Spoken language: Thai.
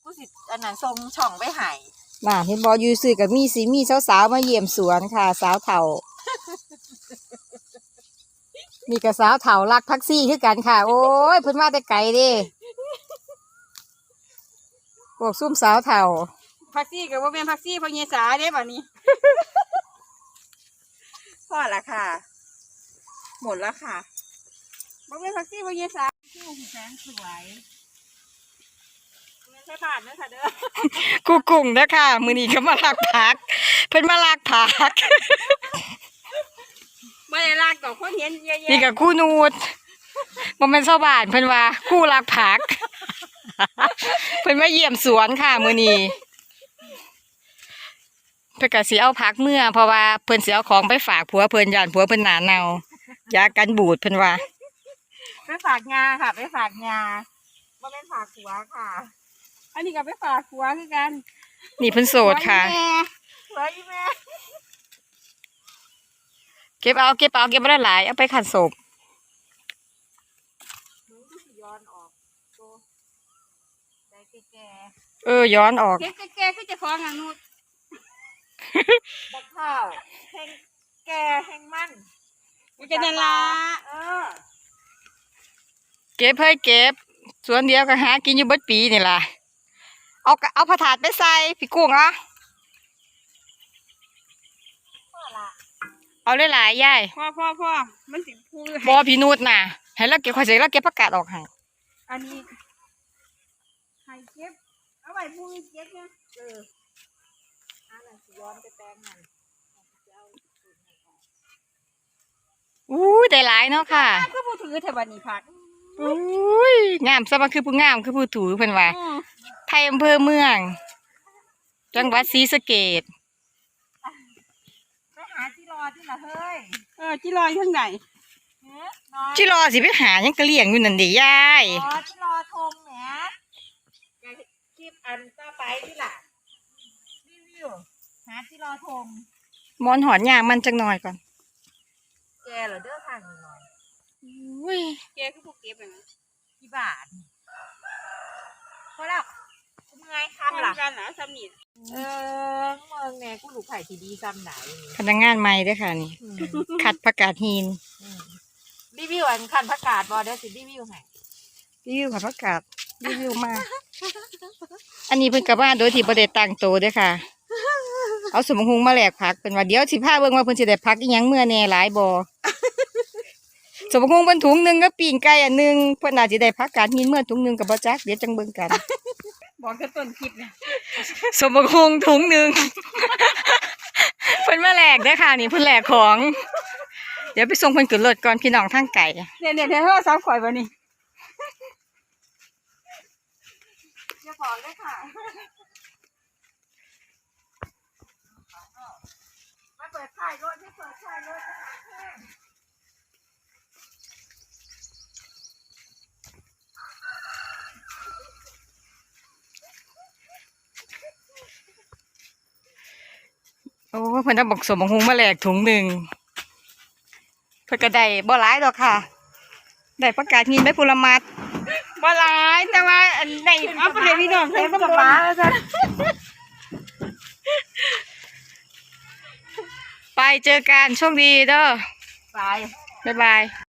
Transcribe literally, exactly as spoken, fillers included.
กูสิอันนั้นทรงช่องไปหายน่ะเห็นบอยูซื้อกับมีสีมีสาวๆมาเยี่ยมสวนค่ะสาวเฒ่า มีกับสาวเฒ่ารักแท็กซี่คือกันค่ะโอ้ยเพิ่นมาแต่ไกลเด้พวกซุ่มสาวเฒ่าพักซี่กับว่าเป็นพักซี่พอเยสาเด้แบบนี้ พอละค่ะหมดแล้วค่ะว่าเป็นพักซี่พอเยสาชื่อแสนสวยไม่ใช่ผ่านนะค่ะเด้อกูกุ้งเด้อค่ะมื้อนี้ก็มาลักผักเพิ่นมาลักผักไม่ได้ลากดอกคนเห็นเยอะๆนี่กับคู่นูดบ่แม่นชาวบ้านเพิ่นว่าคู่ลักผัก เพิ่นมาเยี่ยมสวนค่ะมื้อนี้เพิ่นก็สิเอาผักเมื่อเพราะว่าเพิ่นสิเอาของไปฝากผัวเพิ่นย่านผัวเพิ่นหน้าเน่ายากันบูดเพิ่นว่าไปฝากงาค่ะไปฝากงาว่าเป็นฝากหัวค่ะ อันนี้ก็ไปฝากหัวคือกันนี่เพิ่นโสดค่ะหัวอีแม่เก็บเอาเก็บเอาเก็บบ่ได้หลายเอาไปขัดศพย้อนออกโตได้แก่เออย้อนออกแก่แก่คือจะคล้องอย่างนู้นบักข้าวแห้งแก่แห้งมันมันจะนั่นละเออเก็บให้เก็บสวนเดียวก็หากินอยู่เบิดปีนี่ล่ะเอาเอาผ้าถาดไปใส่พี่กุ้งอ่ะเอาหลายๆยายพ่อพ่อพ่อมันสิพูดบ่พี่นูดน่ะให้เราเก็บข่อยสิเราเก็บผักกาดออกให้อันนี้ให้เก็บเอาไว้พูดเก็บเนี่ยเอออันนั้นสิย้อนไปแปลงมันอู้ได้หลายเนาะค่ะก็พูดถือเทวันนี้พักอุ้ยงามซะมันคือผู้งามคือผู้ถูเพิ่นว่าไทยอำเภอเมืองจังหวัดศรีสะเกษไปหาจิรอที่ละเฮ้ยเออจิรออยู่ทางไหนจิรอสิไปหายังกะเลี้ยงอยู่นั่นเด้ยายอ๋อจิรอทงแหมคลิปอันต่อไปที่ล่ะรีวิวหาจิรอทงมอนหอนยางมันจังหน่อยก่อนแกเหรอเด้อทางหน่อยอุ้ยแกคือพวกเก็บเลยนะกี่บาทพอแล้วเมื่อยคำล่ะกันนะซ้ำนี่เออเมืองแม่กูลูกไผ่ทีดีซ้ำไหนพนักงานใหม่ด้วยค่ะนี่คัดผักกาดหินรีวิวอันคันผักกาดบอเด้อสิรีวิวให้รีวิวค่ะผักกาดรีวิวมากอันนี้เพิ่นกลับบ้านโดยที่บ่ได้ตั้งโตด้วยค่ะเอาสมหุงมาแลกผักเป็นว่าเดี๋ยวสิพาเบิ่งว่าเพิ่นสิได้ผักอีหยังเมื่อแน่หลายบ่สมหุงเพิ่นถุงนึงกับปิ้งไก่อันนึงเพิ่นน่าสิได้ผักกาดหินเมื่อถุงนึงก็บ่จักเดี๋ยวจังเบิ่งกันบอกแค่ต้นคลิปนะสมหุงถุงนึงเพิ่นมาแลกเด้อค่ะนี่เพิ่นแลกของเดี๋ยวไปส่งเพิ่นขึ้นรถก่อนพี่น้องทางไกลเนี่ยเนี่ยเดี๋ยวโทรศัพท์ข่อยบ่นี่อย่าบอกเลยค่ะมาเปิดท้ายรถให้เปิดท้ายรถโอ้เพิ่นต้องบอกสมหุงมาแลกถุงหนึ่งเพิ่นก็ได้บ่หลายดอกค่ะได้ประกาศหินไปพุละมัดบ่หลายแต่ว่าอันได้เอาไปให้พี่น้องใช้กับป้าแล้วจ้ะไปเจอกันโชคดีเด้อไปบ๊ายบาย